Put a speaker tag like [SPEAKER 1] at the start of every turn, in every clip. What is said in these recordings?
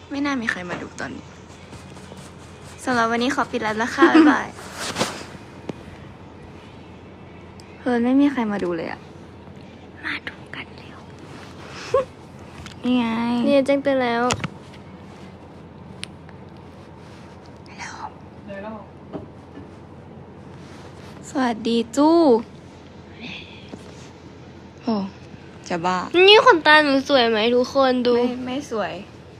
[SPEAKER 1] ไม่น่ามีใครมาดูตอนนี้สำหรับวันนี้ขอปิดแล้วนะคะ บ๊ายบายเพิร์นไม่มีใครมาดูเลยอะมาดูกันเร็ว นี่ไง
[SPEAKER 2] เนี่ยแจ้งเตือนแล้ว
[SPEAKER 1] สวัสดีจู้โอ้จะบ้า
[SPEAKER 2] นี่ขนตาหนูสวยไหมทุกคนดู
[SPEAKER 1] ไม่สวย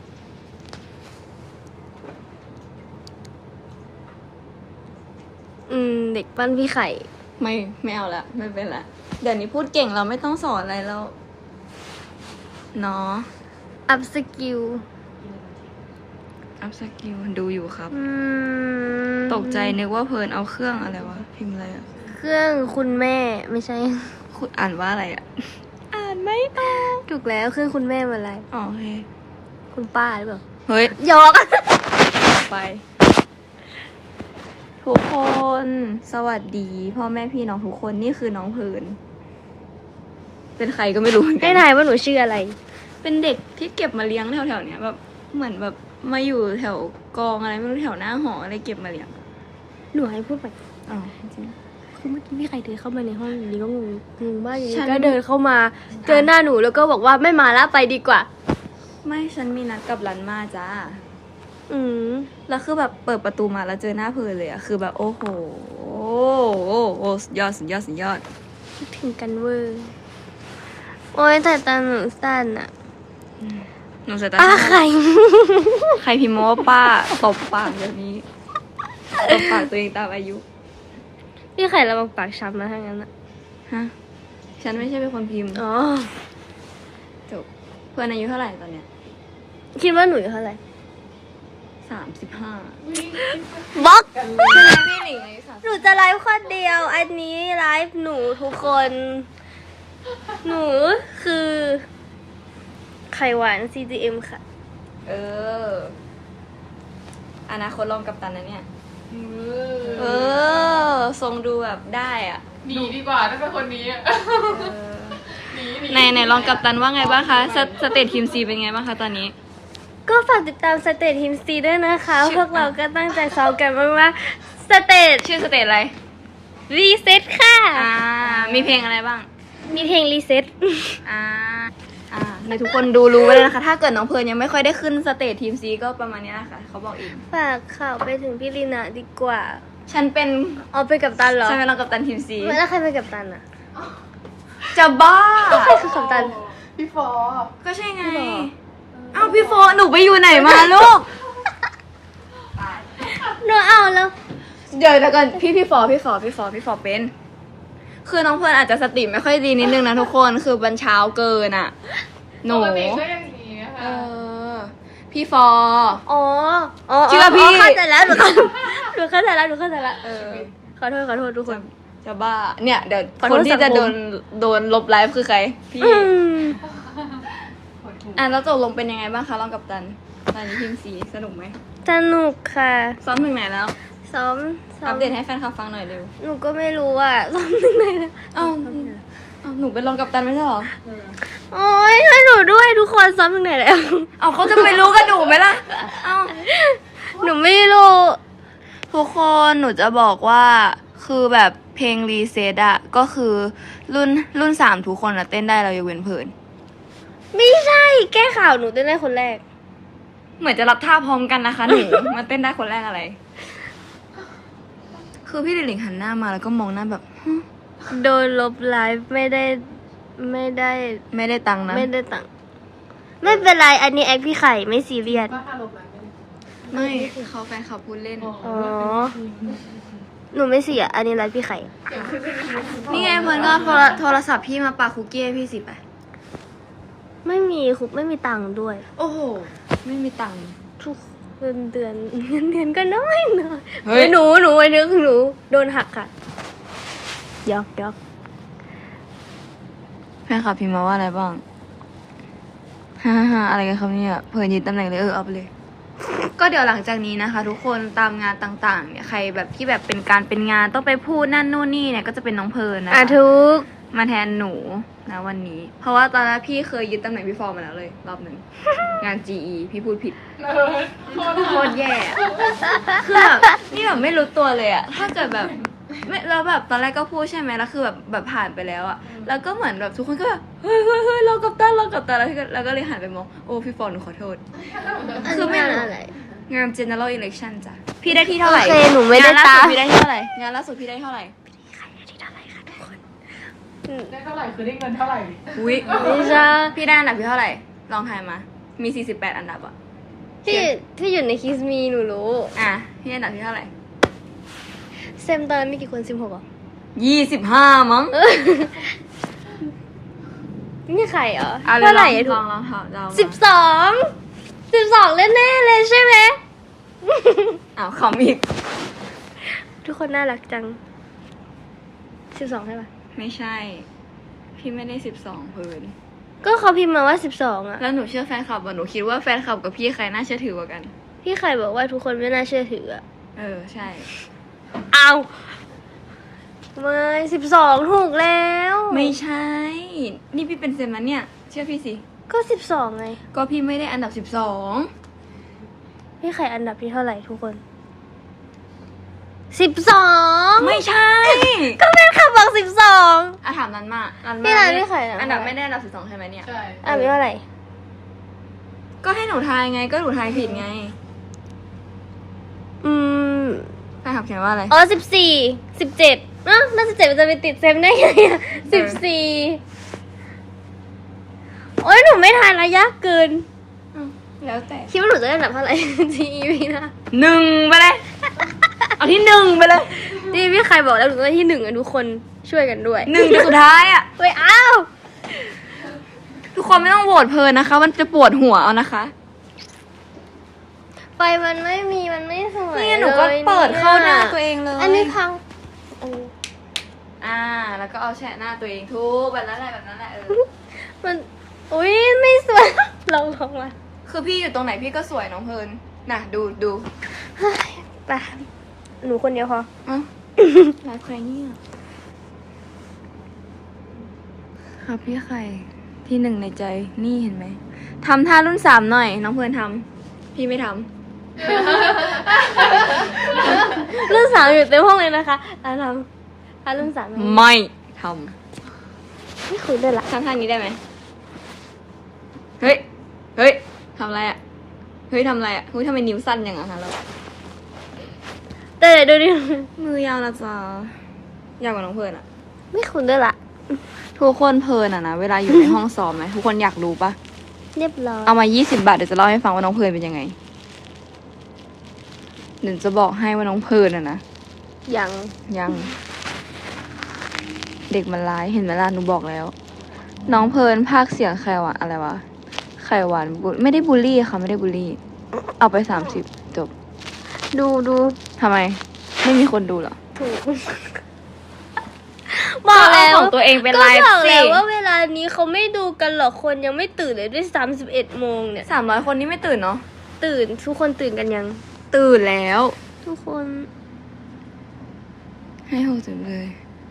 [SPEAKER 2] เด็กปั้นพี่ไข่
[SPEAKER 1] ไม่เอาละไม่เป็นละเดี๋ยวนี้พูดเก่งเราไม่ต้องสอนอะไรแล้วเนาะ
[SPEAKER 2] อัพสกิล
[SPEAKER 1] อัพสกิลดูอยู่ครับ ตกใจนึกว่าเพิร์นเอาเครื่องอะไรวะพิมพ์อะไรอะ
[SPEAKER 2] เครื่องคุณแม่ไม่ใช่
[SPEAKER 1] คุณอ่านว่าอะไรอะอ่านไม่ออก
[SPEAKER 2] ถูกแล้วเครื่องคุณแม่มาอะไร
[SPEAKER 1] อ๋อโอเค
[SPEAKER 2] คุณป้าหรือเปล่า
[SPEAKER 1] เฮ้ย
[SPEAKER 2] หยอก
[SPEAKER 1] ไป ทุกคน สวัสดีพ่อแม่พี่น้องทุกคนนี่คือน้องเพิร์นเป็นใครก็ไม่รู้เหมือนกั
[SPEAKER 2] ให้ทายว่าหนูชื่ออะไร
[SPEAKER 1] เป็นเด็กที่เก็บมาเลี้ยงแถวๆเนี้ยแบบเหมือนแบบมาอยู่แถวกองอะไรไม่รู้แถวหน้าหออะไรเก็บมาเลี้ยง
[SPEAKER 2] หนูให้พูดไป
[SPEAKER 1] อ๋อจริง
[SPEAKER 2] คือเมื่อกี้พี่ไข่เดินเข้ามาในห้องอยู่ดีก็งงมากอยู่
[SPEAKER 1] ฉั
[SPEAKER 2] ดี
[SPEAKER 1] น
[SPEAKER 2] ก็เดินเข้ามา เจอหน้าหนูแล้วก็บอกว่าไม่มาละไปดีกว่า
[SPEAKER 1] ไม่ฉันมีนัดกับรันมาจ้า แล้วคือแบบเปิดประตูมาแล้วเจอหน้าเพิร์นเลยอะคือแบบโอ้โหโอ้สุดยอดสุดยอดสุดยอด
[SPEAKER 2] คิดถึงกันเวอร์โอ้ยแต่ตาหนูสั้นอะ
[SPEAKER 1] หนูสายตา
[SPEAKER 2] ป้า
[SPEAKER 1] สั้น
[SPEAKER 2] ไข่
[SPEAKER 1] ใครพิมพ์มาว่าป้าตบปากเดี๋ยวนี้ตบปากตัวเองตามอายุ
[SPEAKER 2] พี่ไข่ระวังปากช้ำนะถ้างั้นอะ
[SPEAKER 1] ฮะฉันไม่ใช่เป็นคนพิมพ์
[SPEAKER 2] อ๋อ
[SPEAKER 1] จบเพื่อนอายุเท่าไหร่ตอนเนี้ย
[SPEAKER 2] คิดว่าหนูอยู่เท่าไหร่
[SPEAKER 1] 35
[SPEAKER 2] บล็อก
[SPEAKER 1] พี่หลิงอายุ
[SPEAKER 2] หนูจะไลฟ์คนเดียว อันนี้ไลฟ์หนูทุกคน หนูคือไข่หวาน CGM ค่ะ
[SPEAKER 1] เอออนาคตรองกัปตันนะเนี่ยเออทรงดูแบบได้อ่ะ
[SPEAKER 3] หนีดีกว่าถ้าเป็นคนนี้อะ หนี
[SPEAKER 1] ในรองกัปตันว่าไงบ้างคะสเตททีมซีเป็นไงบ้างคะตอนนี้
[SPEAKER 2] ก็ฝากติดตามสเตททีมซีด้วยนะคะ พวกเราก็ตั้งใจซ้อมกันมากๆสเตท
[SPEAKER 1] ชื่อสเตทอะไร
[SPEAKER 2] รีเซ็ตค่ะ
[SPEAKER 1] มีเพลงอะไรบ้าง
[SPEAKER 2] มีเพลงรีเซ็ต
[SPEAKER 1] ในทุกคนดูรู้ไว้เลยนะคะ ถ้าเกิดน้องเพิร์นยังไม่ค่อยได้ขึ้นสเตททีมซีก็ประมาณนี้นะคะเขาบอกเอง
[SPEAKER 2] ฝากข่าวไปถึงพี่ลีนาดีกว่า
[SPEAKER 1] ฉันเป็น
[SPEAKER 2] เอาไปกับตันเหรอ
[SPEAKER 1] ฉันเป็นรองกัปตันทีมซี
[SPEAKER 2] แล้วใครไปกับตันอะ
[SPEAKER 1] จะบ้า
[SPEAKER 2] ใครคือกับตัน
[SPEAKER 3] พี่ฟอ
[SPEAKER 1] ก็ใช่ไง
[SPEAKER 2] พี่ฟอ
[SPEAKER 1] เอ้าพี่โฟหนูไปอยู่ไหนมาลูก
[SPEAKER 2] หนูเอาแล้ว
[SPEAKER 1] เดี๋ยวก่อนพี่ฟอเป็น คือน้องเพิร์นอาจจะสติไม่ค่อยดีนิดนึงนะทุกคนคือบันเช้าเกินอ่ะ หนู
[SPEAKER 3] ปกติก็อย่างนี้นะ
[SPEAKER 1] เอ
[SPEAKER 3] คะ
[SPEAKER 1] อ พี่ฟอ
[SPEAKER 2] อ๋อ
[SPEAKER 1] เชื่อพี่
[SPEAKER 2] เข้าใจแล้วหนูเข้าใจแล้ว
[SPEAKER 1] เออ
[SPEAKER 2] ขอโทษทุกคน
[SPEAKER 1] จะบ้า เนี่ยเดี๋ยว
[SPEAKER 2] ขอ
[SPEAKER 1] ค
[SPEAKER 2] โทษ
[SPEAKER 1] นที่จะ
[SPEAKER 2] สังคม
[SPEAKER 1] โดนลบไลฟ์คือใคร พี่
[SPEAKER 2] อืม
[SPEAKER 1] แล้วตกลงเป็นยังไงบ้างคะรองกัปตัน ตอนนี้ทีมสีสนุกไหม
[SPEAKER 2] สนุกค่ะ
[SPEAKER 1] ซ้อมถึงไหนแล้ว
[SPEAKER 2] ซ้อม
[SPEAKER 1] อัปเดตให้แฟนคลับฟังหน่อยเร็ว
[SPEAKER 2] หนูก็ไม่รู้อ่ะซ้อมถึงไหนแล้ว
[SPEAKER 1] เอ้าหนูเป็นรองกัปตันไม่ใช่เหรอ
[SPEAKER 2] โอ้ยช่วยหนูด้วยทุกคนซ้อมถึงไหนแล้ว
[SPEAKER 1] เอาเขาจะไปรู้กันหนูไหมล่ะ เอา
[SPEAKER 2] หนูไม่รู้
[SPEAKER 1] ทุกคนหนูจะบอกว่าคือแบบเพลงรีเซ็ตอะก็คือรุ่น3ทุกคนอะเต้นได้เรายกเว้นเพิร์น
[SPEAKER 2] ไม่ใช่ แก้ข่าวหนูเต้นได้คนแรก
[SPEAKER 1] เหมือนจะรับท่าพร้อมกันนะคะหนู มาเต้นได้คนแรกอะไร คือพี่หลิงหันหน้ามาแล้วก็มองหน้าแบบฮึ
[SPEAKER 2] โดนลบไลฟ์ไม่ได้
[SPEAKER 1] ไม่ได้ตังค์นะ
[SPEAKER 2] ไม่ได้ตังค์ไม่เป็นไร อันนี้แอคพี่ไข่ไม่ซีเรียส
[SPEAKER 3] ก็อารมณ์นั้น
[SPEAKER 1] ไม่เขาแฟนเขาพูดเล่น
[SPEAKER 2] อ๋อ หนูไม่เสีย อันนี้ไลฟ์พี่ไข่
[SPEAKER 1] นี่ไงเพิร์นก็โทรศัพท์พี่มาปาคุกกี้ให้พี่สิไป
[SPEAKER 2] ไม่มีคุกไม่มีตังค์ด้วย
[SPEAKER 1] โอ้โห ไม่มีตังค์
[SPEAKER 2] ทุกเงินเดือนก็น้อย
[SPEAKER 1] เฮ้ย
[SPEAKER 2] หนูไอ้นึกหนูโดนหักค่ะยอก
[SPEAKER 1] แฟนคลับพิมพ์มาว่าอะไรบ้างฮ่าอะไรกันครับเนี่ยเพิร์นยึดตำแหน่งเลยเอาไปเลย ก็เดี๋ยวหลังจากนี้นะคะ ทุกคนตามงานต่างๆเนี่ยใครแบบที่แบบเป็นงานต้องไปพูดนั่นนู่นนี่เนี่ยก็จะเป็นน้องเพิร์นนะคะ
[SPEAKER 2] ทุก
[SPEAKER 1] มาแทนหนูนะวันนี้ เพราะว่าตอนนั้นพี่เคยยึดตำแหน่งพี่ฟอร์มาแล้วเลย รอบหนึ่ง งาน GE พี่พูดผิด โคตรแย่อะคือแบบนี่แบบไม่รู้ตัวเลยอะถ้าเกิดแบบไม่แล้วแบบตอนแรกก็พูดใช่ไหมแล้วคือแบบผ่านไปแล้วอะแล้วก็เหมือนแบบทุกคนก็แบบเฮ้ยเรากัปตันแล้วก็เลยหันไปมองโอ้พี่ฟอร์หนูขอโทษ คือไม่รู้
[SPEAKER 2] อะไร
[SPEAKER 1] งาน general election จ้ะพี่ได้ที่เท่าไหร่
[SPEAKER 2] โอเคหนูไม่ได้
[SPEAKER 1] งานล่าสุ
[SPEAKER 2] ตาม
[SPEAKER 1] พี่ได้ที่เท่าไหร่งานล่าสุดพี่ได้เท่าไหร่
[SPEAKER 3] ได้เท่าไหร่คือได้เงินเท่าไหร่
[SPEAKER 1] อุ้ย
[SPEAKER 2] ไม่ใช่
[SPEAKER 1] พี่ได้อันดับที่เท่าไหร่ลองทายมา มี48อันดับอะ
[SPEAKER 2] ที่อยู่ในคิสมีหนูรู้
[SPEAKER 1] อ่ะพี่อันดับที่เท่าไหร่
[SPEAKER 2] เซมตอนนั้นมีกี่คน16อ่ะ
[SPEAKER 1] 25มั้ง
[SPEAKER 2] นี่ใครเหรอ
[SPEAKER 1] อ่ะ
[SPEAKER 2] เท่าไหร่
[SPEAKER 1] ล
[SPEAKER 2] อะถู
[SPEAKER 1] อก งลองถามเรามา
[SPEAKER 2] 12แน่ๆเลยใช่ไหม
[SPEAKER 1] อ้าวขำอีก
[SPEAKER 2] ทุกคนน่ารักจัง12ใช่ปะ
[SPEAKER 1] ไม่ใช่ พี่ไม่ได้12เพิน
[SPEAKER 2] ก็เขาพิมพ์มาว่า12อ่ะ
[SPEAKER 1] แล้วหนูเชื่อแฟนคลับอ่ะหนูคิดว่าแฟนคลับกับพี่ใครน่าเชื่อถือกว่ากัน
[SPEAKER 2] พี่ใครบอกว่าทุกคนไม่น่าเชื่อถืออ่ะ
[SPEAKER 1] ใช่
[SPEAKER 2] เอาไม่12ถูกแล้ว
[SPEAKER 1] ไม่ใช่ นี่พี่เป็นเซมนะเนี่ย เชื่อพี่สิ
[SPEAKER 2] ก็12ไง
[SPEAKER 1] ก็พี่ไม่ได้อันดับ
[SPEAKER 2] พี่ใครอันดับที่เท่าไหร่ทุกคน12
[SPEAKER 1] ไม่ใช่
[SPEAKER 2] ก็แม่ขับบอก12
[SPEAKER 1] อ่ะถามนันมานัน
[SPEAKER 2] พี่นันไม่ใครนะ
[SPEAKER 1] อันดับไม่ได้อันดับ12ใช่ไหมเนี่ย
[SPEAKER 3] ใช่
[SPEAKER 2] อันดับเท่าไหร่
[SPEAKER 1] ก็ให้หนูทายไง ก็หนูทายผิดไง
[SPEAKER 2] อืม
[SPEAKER 1] แฟนคลับเขียนว่าอะไร
[SPEAKER 2] อ๋อ14 17แล้ว17มันจะไปติดเซมได้ไงอ่ะ14โอ้ยหนูไม่ทายระยะเกิน
[SPEAKER 1] แล้วแต่
[SPEAKER 2] คิดว่าหนูจะได้อันดับเท่าไหร่ GEV นะ
[SPEAKER 1] 1ไปเลย เอาที่1ไปเลย
[SPEAKER 2] ที่พี่ใครบอกแล้วหนูได้ที่1อ่ะทุกคนช่วยกันด้วย
[SPEAKER 1] 1จะสุดท้ายอ่ะ
[SPEAKER 2] เฮ้ยอ้าว
[SPEAKER 1] ทุกคนไม่ต้องโหวตเพลินนะคะ มันจะปวดหัวเอานะคะ
[SPEAKER 2] ไฟมันไม่มีมันไม่สวย
[SPEAKER 1] นี่หนูก็
[SPEAKER 2] ลย
[SPEAKER 1] เปิดเข้าหน้า
[SPEAKER 2] นี่ย
[SPEAKER 1] ตัวเองเลย
[SPEAKER 2] อันนี้พัง
[SPEAKER 1] แล้วก็เอาแชะหน้าตัวเองทุกแบบนั้นแหละ
[SPEAKER 2] มันอุ้ยไม่สวย ลองมา
[SPEAKER 1] คือพี่อยู่ตรงไหนพี่ก็สวยน้องเพลินน่ะดู
[SPEAKER 2] เฮ้ยไปหนูคนเดียวพอ
[SPEAKER 1] อ่ะ รักใครเนี่ยครับพี่ไข่ที่1ในใจนี่เห็นไหมทำท่ารุ่น3หน่อย น้องเพลินทำพี่ไม่ทำ
[SPEAKER 2] รุ่น3อยู่เต็มห้องเลยนะคะทำรุ่น3
[SPEAKER 1] ไม่ท
[SPEAKER 2] ไม่คุยด้วยละ
[SPEAKER 1] ำทำท่านี้ได้ไหมเฮ้ยทำอะไรอ่ะเฮ้ยทำอะไรอ่ะเฮ้ยทำไมนิ้วสั้นอย่างนั้นเรา
[SPEAKER 2] แต่เดี๋ยวดูดิ
[SPEAKER 1] มือยาวนะจ๊ะยาวกว่าน้องเพลินอ่ะ
[SPEAKER 2] ไม่คุยด้วยละ
[SPEAKER 1] ทุกคนเพลินอ่ะนะเวลาอยู่ในห้องซ้อมไหมทุกคนอยากรู้ปะ
[SPEAKER 2] เรียบร้อย
[SPEAKER 1] เอามา20 บาทเดี๋ยวจะเล่าให้ฟังว่าน้องเพลินเป็นยังไงเดี๋ยวจะบอกให้ว่าน้องเพลินอ่ะนะ
[SPEAKER 2] ยัง
[SPEAKER 1] ยังเด็กมันร้ายเห็นไหมล่ะหนูบอกแล้ว น้องเพลินภาคเสียงไข่หวานอะไรวะไข่หวานไม่ได้บูลลี่ค่ะไม่ได้บูลลี่ เอาไป30จบ
[SPEAKER 2] ดู
[SPEAKER 1] ทำไม ไม่มีคนดูเหรอ
[SPEAKER 2] ถูกบอกแล้ว
[SPEAKER 1] ก็เอาของตัวเองเป็นไลฟ์
[SPEAKER 2] ก็บอก
[SPEAKER 1] สิ
[SPEAKER 2] แล้วว่าเวลานี้เขาไม่ดูกันหรอกคนยังไม่ตื่นเลยด้วย31โมงเนี่ย
[SPEAKER 1] 300 คนนี่ไม่ตื่นเนาะ
[SPEAKER 2] ตื่นทุกคนตื่นกันยัง
[SPEAKER 1] ตื่นแล้ว
[SPEAKER 2] ทุกคน
[SPEAKER 1] ให้60เลย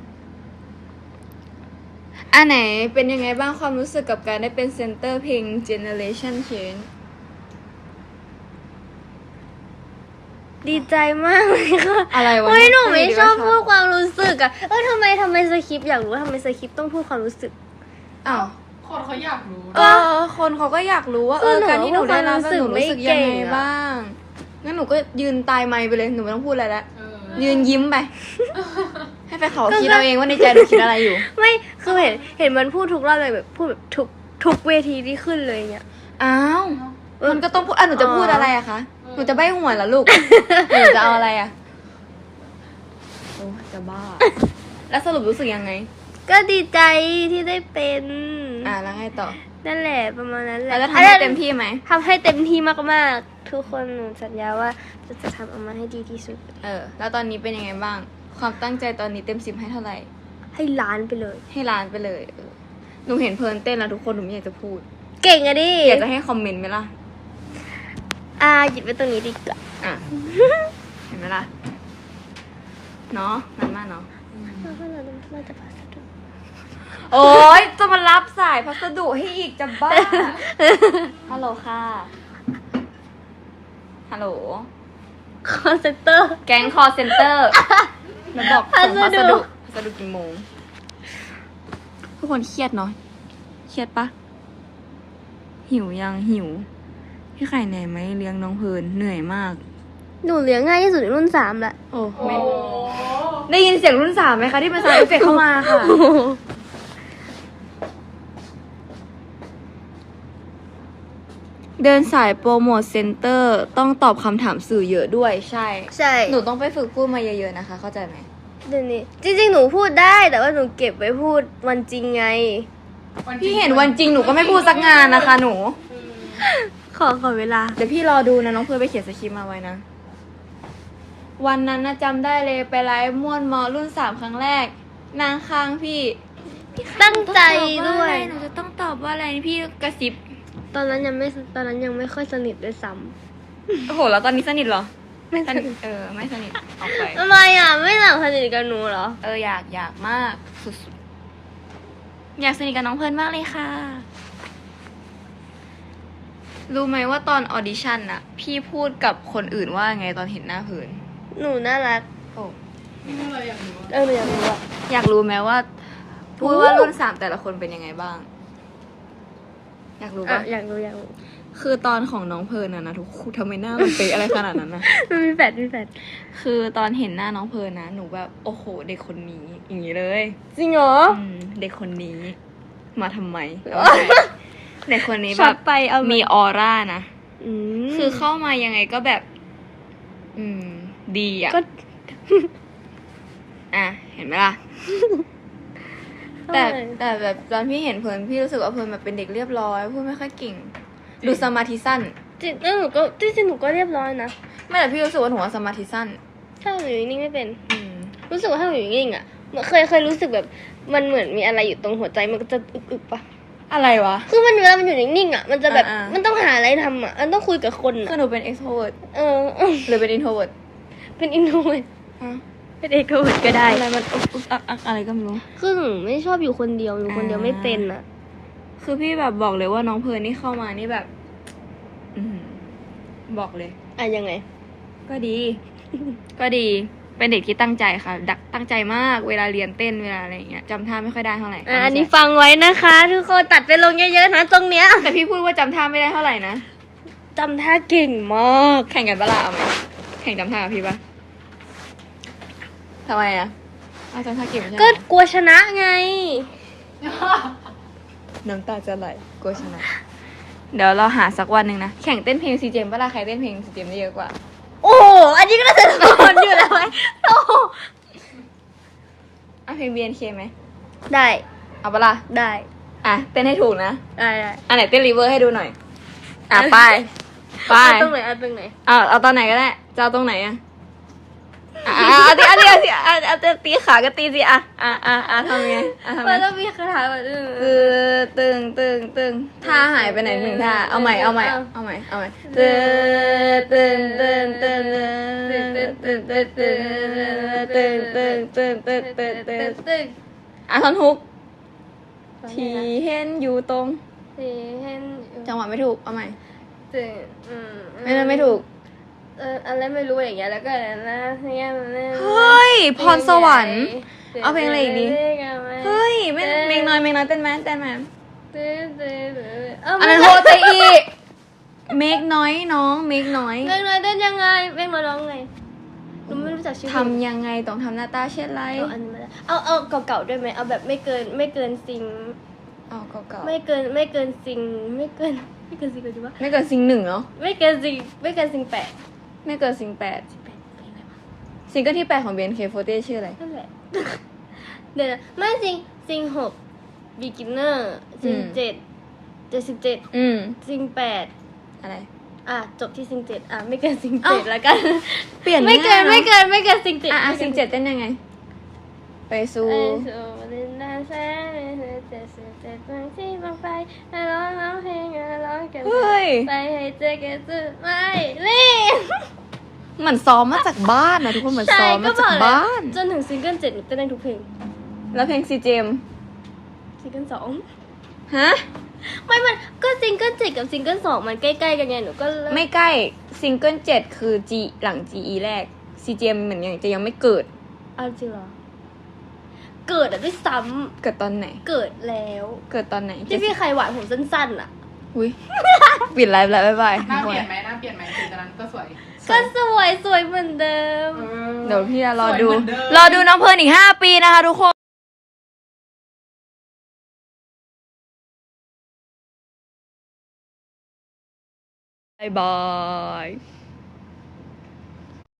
[SPEAKER 1] อันไหนเป็นยังไงบ้างความรู้สึกกับการได้เป็นเซนเตอร์เพลง Generation Change
[SPEAKER 2] ดีใจมากเลยค่ะ
[SPEAKER 1] อะไรวะ
[SPEAKER 2] เฮ้ยหนูไม่
[SPEAKER 1] ดี
[SPEAKER 2] ชอบ
[SPEAKER 1] ว่า
[SPEAKER 2] พูดความรู้สึกอะทำไมสคริปต์อยากรู้ว่าทำไมสคริปต์ต้องพูดความรู้สึก
[SPEAKER 1] อ้าว
[SPEAKER 3] คนเขาอยากรู้
[SPEAKER 1] คนเขาก็อยากรู้ว่า
[SPEAKER 2] คือหนู
[SPEAKER 1] การที่หนูได้รับ
[SPEAKER 2] รู้สึก
[SPEAKER 1] หนูรู้สึกยังไง
[SPEAKER 2] ไม่เก่งอะ
[SPEAKER 1] บ้างงั้นหนูก็ยืนตายไมค์ไปเลยหนูไม่ต้องพูดอะไรแล้ว ยืนยิ้มไป ให้ไปเขาคิดเอาเองว่าในใจหนูคิดอะไรอยู่
[SPEAKER 2] ไม่คือเห็นมันพูดทุกรอบเลยแบบพูดแบบทุกเวทีที่ขึ้นเลยเนี่ย
[SPEAKER 1] อ้าวมันก็ต้องพูดหนูจะพูดอะไรอะคะหนูจะใบ้หวยเหรอลูกหนูจะเอาอะไรอะโอ้จะบ้า แล้วสรุปรู้สึกยังไง
[SPEAKER 2] ก็ดีใจที่ได้เป็น
[SPEAKER 1] แล้วไงต่อ
[SPEAKER 2] นั่นแหละประมาณนั้นแหละ
[SPEAKER 1] แล้วจะทำให้เต็มที่ไหม
[SPEAKER 2] ทำให้เต็มที่มากๆทุกคนหนูสัญญาว่าจะทำออกมาให้ดีที่สุด
[SPEAKER 1] แล้วตอนนี้เป็นยังไงบ้าง ความตั้งใจตอนนี้เต็ม10ให้เท่าไหร่
[SPEAKER 2] ให้ล้านไปเลย
[SPEAKER 1] ให้ล้านไปเลยหนูเห็นเพลินเต้นแล้วทุกคนหนูไม่อยากจะพูด
[SPEAKER 2] เก่งอะดิ
[SPEAKER 1] อยากจะให้คอมเมนต์ไหมล่ะ
[SPEAKER 2] หยิบไปตรงนี้ดีกว่า
[SPEAKER 1] อ่ะ เห็นไหมล่ะ เนาะมันมากเนาะ
[SPEAKER 2] เราจะพาสะดุด
[SPEAKER 1] โอ๊ยจะมารับสายพัสดุให้อีกจะบ้า ฮัลโหลค่ะ ฮัลโหล
[SPEAKER 2] คอนเซนเตอร์
[SPEAKER 1] แก๊งคอเซ็นเตอร์มาบอกส่งพัสดุกี่โมง ทุกคนเครียดเนาะ เครียดปะ หิวยังหิว พี่ไข่เหนื่อยไหมเลี้ยงน้องเพลินเหนื่อยมาก
[SPEAKER 2] หนูเลี้ยงง่ายที่สุดในรุ่น3แหละ
[SPEAKER 1] โอ้
[SPEAKER 3] โอ้
[SPEAKER 1] ไม่ได้ยินเสียงรุ่น3ไหมคะที่เป็นซาวด์เอฟเฟกต์เข้ามาค่ะ เดินสายโปรโมทเซ็นเตอร์ต้องตอบคำถามสื่อเยอะด้วยใช่
[SPEAKER 2] ใช่
[SPEAKER 1] หนูต้องไปฝึกพูดมาเยอะๆนะคะ เข้าใจไหม
[SPEAKER 2] เดี๋ยวนี้จริงๆหนูพูดได้แต่ว่าหนูเก็บไว้พูดวันจริงไง
[SPEAKER 1] พี่เห็นวันจริงหนูก็ไม่พูดสักงานนะคะหนู
[SPEAKER 2] ขอเวลา
[SPEAKER 1] เดี๋ยวพี่รอดูนะน้องเพื่อนไปเขียนสคริปต์มาไว้นะ วันนั้นนะจำได้เลยไปไลฟ์ม่วนมอรุ่น3ครั้งแรก นางค้างพี่
[SPEAKER 2] ตั้งใจด้วย
[SPEAKER 1] หนูจะต้องตอบว่าอะไรพี่กระซิบ
[SPEAKER 2] ตอนนั้นยังไม่ค่อยสนิทด้วยซ้
[SPEAKER 1] โอ้โหแล้วตอนนี้สนิทเหรอ
[SPEAKER 2] ำไม่สนิท
[SPEAKER 1] ไม่สนิทออกไป
[SPEAKER 2] ทำไมอ่ะไม่หลังสนิทกับหนูเหรอ
[SPEAKER 1] อยากมากสุดๆอยากสนิทกับน้องเพลินมากเลยค่ะ รู้ไหมว่าตอนออดิชั่นน่ะ พี่พูดกับคนอื่นว่าไงตอนเห็นหน้าเพลิน
[SPEAKER 2] หนูน่ารัก
[SPEAKER 1] โอ้
[SPEAKER 3] นี่เราอยากรู้
[SPEAKER 2] หนูอยากรู้อ่ะ
[SPEAKER 1] อยากรู้ไหมว่า พูดว่ารุ่น3แต่ละคนเป็นยังไงบ้าง อยากรู้ปะ
[SPEAKER 2] อยากรู้
[SPEAKER 1] คือตอนของน้องเพลินนะทุกคนทำไมหน้ามันเป๊ะอะไรขนาดนั้นนะ
[SPEAKER 2] มันมีแฟด
[SPEAKER 1] คือตอนเห็นหน้าน้องเพลินนะหนูแบบโอ้โหเด็กคนนี้อย่างนี้เลย
[SPEAKER 2] จริงเหรอ
[SPEAKER 1] เด็กคนนี้ มาทำไม
[SPEAKER 2] อ๋อ
[SPEAKER 1] เด็กคนนี้
[SPEAKER 2] ช็
[SPEAKER 1] แบ
[SPEAKER 2] อต
[SPEAKER 1] บ
[SPEAKER 2] ไปเอา
[SPEAKER 1] มีออร่านะ
[SPEAKER 2] ม
[SPEAKER 1] คือเข้ามายังไงก็แบบ ดีอ่ะ
[SPEAKER 2] ก็
[SPEAKER 1] อ่ะ เห็นไหมล่ะ แต่แบบตอนพี่เห็นเพลินพี่รู้สึกว่าเพลินแบบเป็นเด็กเรียบร้อยพูดไม่ค่อยเก่ง ดูสมาธิสั้น
[SPEAKER 2] จริงแล้วหนูก็จริงๆหนูก็เรียบร้อยนะ
[SPEAKER 1] ไม่แต่พี่รู้สึกว่าหนูว่าสมาธิสั้น
[SPEAKER 2] ถ้าหนูอยู่นิ่งๆไม่เป็น
[SPEAKER 1] อืม
[SPEAKER 2] รู้สึกว่าถ้าหนูอยู่นิ่งๆอ่ะเคยรู้สึกแบบมันเหมือนมีอะไรอยู่ตรงหัวใจมันก็จะอึกๆปะ
[SPEAKER 1] อะไรวะ
[SPEAKER 2] คือมันเวลามันอยู่นิ่งๆอ่ะมันจะแบบ
[SPEAKER 1] อ่าๆ
[SPEAKER 2] มันต้องหาอะไรทำอ่ะมันต้องคุยกับคน
[SPEAKER 1] คือ
[SPEAKER 2] อ่ะ
[SPEAKER 1] หนูเป็น extrovert หรือเป็น introvert
[SPEAKER 2] เป็นอินโทรเวิร์ต
[SPEAKER 1] ฮะ
[SPEAKER 2] เป็นเอกโทรเวิร์ตก็ได้
[SPEAKER 1] อะไรมันอึกอักอะไรก็ไม่รู้
[SPEAKER 2] คือหนูไม่ชอบอยู่คนเดียวหนูคนเดียวไม่เป็นอ่ะ
[SPEAKER 1] คือพี่แบบบอกเลยว่าน้องเพลิร์นนี่เข้ามานี่แบบ บอกเลย
[SPEAKER 2] อ่ะยังไง
[SPEAKER 1] ก็ดี ก็ดี เป็นเด็กที่ตั้งใจค่ะ ตั้งใจมากเวลาเรียนเต้นเวลาอะไรอย่างเงี้ยจำท่าไม่ค่อยได้เท่าไหร่
[SPEAKER 2] อันนี้ฟังไว้นะคะ ทุกคนตัดไปลงเยอะๆนะตรงเนี้ย
[SPEAKER 1] แต่พี่พูดว่าจำท่าไม่ได้เท่าไหร่นะ
[SPEAKER 2] จำท่าเก่งมาก
[SPEAKER 1] แข่งกันปะล่ะเอาไหมแข่งจำท่ากับพี่ปะทำไมอะเอาจำท่าเก่งไม่ใช่เหร
[SPEAKER 2] ก็
[SPEAKER 1] อก
[SPEAKER 2] ลัวชนะไง
[SPEAKER 1] น้ำตาจะไหลกลัวชนะ เดี๋ยวเราหาสักวันหนึ่งนะ แข่งเต้นเพลงซีเจมปะล่ะใครเต้นเพลงซีเจมได้เยอะกว่า
[SPEAKER 2] โอ้โหอันนี้ก็น่าจะโดนอยู่แล้วไหมโอ้โห
[SPEAKER 1] เอาเพลง BNK ไหม
[SPEAKER 2] ได้
[SPEAKER 1] เอาปะล่ะ
[SPEAKER 2] ได้
[SPEAKER 1] อ่ะเต้นให้ถูกนะ
[SPEAKER 2] ได้
[SPEAKER 1] อันไหนเต้นรีเวอร์ให้ดูหน่อย อ่ะไป ไป
[SPEAKER 2] เอาตรงไหนเอาตรงไหน
[SPEAKER 1] เอาตอนไหนก็ได้ จะเอาตรงไหนอ่ะเอาตีขาก็ตีสิอ่ะทำไงทำไง
[SPEAKER 2] มันต้องมีคาถาแบบ
[SPEAKER 1] ตึงท่าหายไปไหนหนึ่งท่า เอาใหม่ตึงอ่ะท่อนฮุกที่เห็นอยู่ตรง
[SPEAKER 2] เห็น
[SPEAKER 1] จังหวะไม่ถูก เอาใหม่
[SPEAKER 2] ตึง
[SPEAKER 1] ไม่ถูก
[SPEAKER 2] อะไรไม่รู้อย่างเงี้ยแล้วก็นะอย่างเงี้ย
[SPEAKER 1] เฮ้ย พรสวรรค์ เอาเพลงอะไรอีกดี เฮ้ยไม่เมงน้อยเต้นไหมอันนั้นโฮเตอีเมกน้อยน้องเมกน้อย
[SPEAKER 2] เมกน้อยเต้นยังไงเมกน้อยร้องไงหนูไม่รู้จักชื่อ
[SPEAKER 1] ทำยังไงต้องทำหน้าตาเช่นไร
[SPEAKER 2] อันนี้ไม่ได้เอาเก่าๆด้วยไหมเอาแบบไม่เกินซิง
[SPEAKER 1] เอาเก่าๆ
[SPEAKER 2] ไม่เกินซิงไม่เกินซิงกันดีวะ
[SPEAKER 1] ไม่เกินซิง1เนาะ
[SPEAKER 2] ไม่เกินซิง8
[SPEAKER 1] ไม่เกินซิง8ซิงเกิลที่8ของ BNK48 ชื่ออะไร
[SPEAKER 2] นั่นแหละ เดี๋ยวนะไม่ซิง6 beginner ซิง7 77ซิง8
[SPEAKER 1] อะไร
[SPEAKER 2] จบที่ซิง7ไม่เกินซิง
[SPEAKER 1] เอ้า
[SPEAKER 2] 7แล้วกัน
[SPEAKER 1] เปลี่ยน
[SPEAKER 2] ไม่เกิน
[SPEAKER 1] ง่ายๆเนอะ
[SPEAKER 2] ไม่เกินซิง7
[SPEAKER 1] ซิง7เต้นยังไง ไปสู่
[SPEAKER 2] เฮ้ยไปให้เจอกันสุดไม่รีบ
[SPEAKER 1] เหมือนซ้อมมาจากบ้านนะทุกคนเหมือนซ้อมมาจากบ้าน
[SPEAKER 2] จนถึงซิงเกิล7หนูเต้นได้ทุกเพลง
[SPEAKER 1] แล้วเพลงซีเจม
[SPEAKER 2] ซิงเกิลสอง
[SPEAKER 1] ฮะ
[SPEAKER 2] ไม่มันก็ซิงเกิล7กับซิงเกิล2มันใกล้ๆกันไงหนูก็เลย
[SPEAKER 1] ไม่ใกล้ซิงเกิล7คือ G หลัง GE แรก CGM เหมือนยังไม่เกิด
[SPEAKER 2] เอาจริงเหรอเกิดอะด้วยซ้
[SPEAKER 1] เกิดตอนไหน
[SPEAKER 2] ำเกิดแล้ว
[SPEAKER 1] เกิดตอนไหน
[SPEAKER 2] ที่พี่ไข่หวานผมสั้นๆอะ
[SPEAKER 1] อุ้ย ปิดไลฟ์แล้วบ๊ายบาย
[SPEAKER 3] หน้าเปลี่ยนไหมหน้าเปลี่ยนไหมถึงตอนนั้นก็สวย
[SPEAKER 2] ก็สวยเหมือนเดิม
[SPEAKER 1] เดี๋ยวพี่จะรอดู
[SPEAKER 3] สวยเหมือนเดิม
[SPEAKER 1] รอดูน้องเพลิร์นอีก5 ปีนะคะทุกคน บายบาย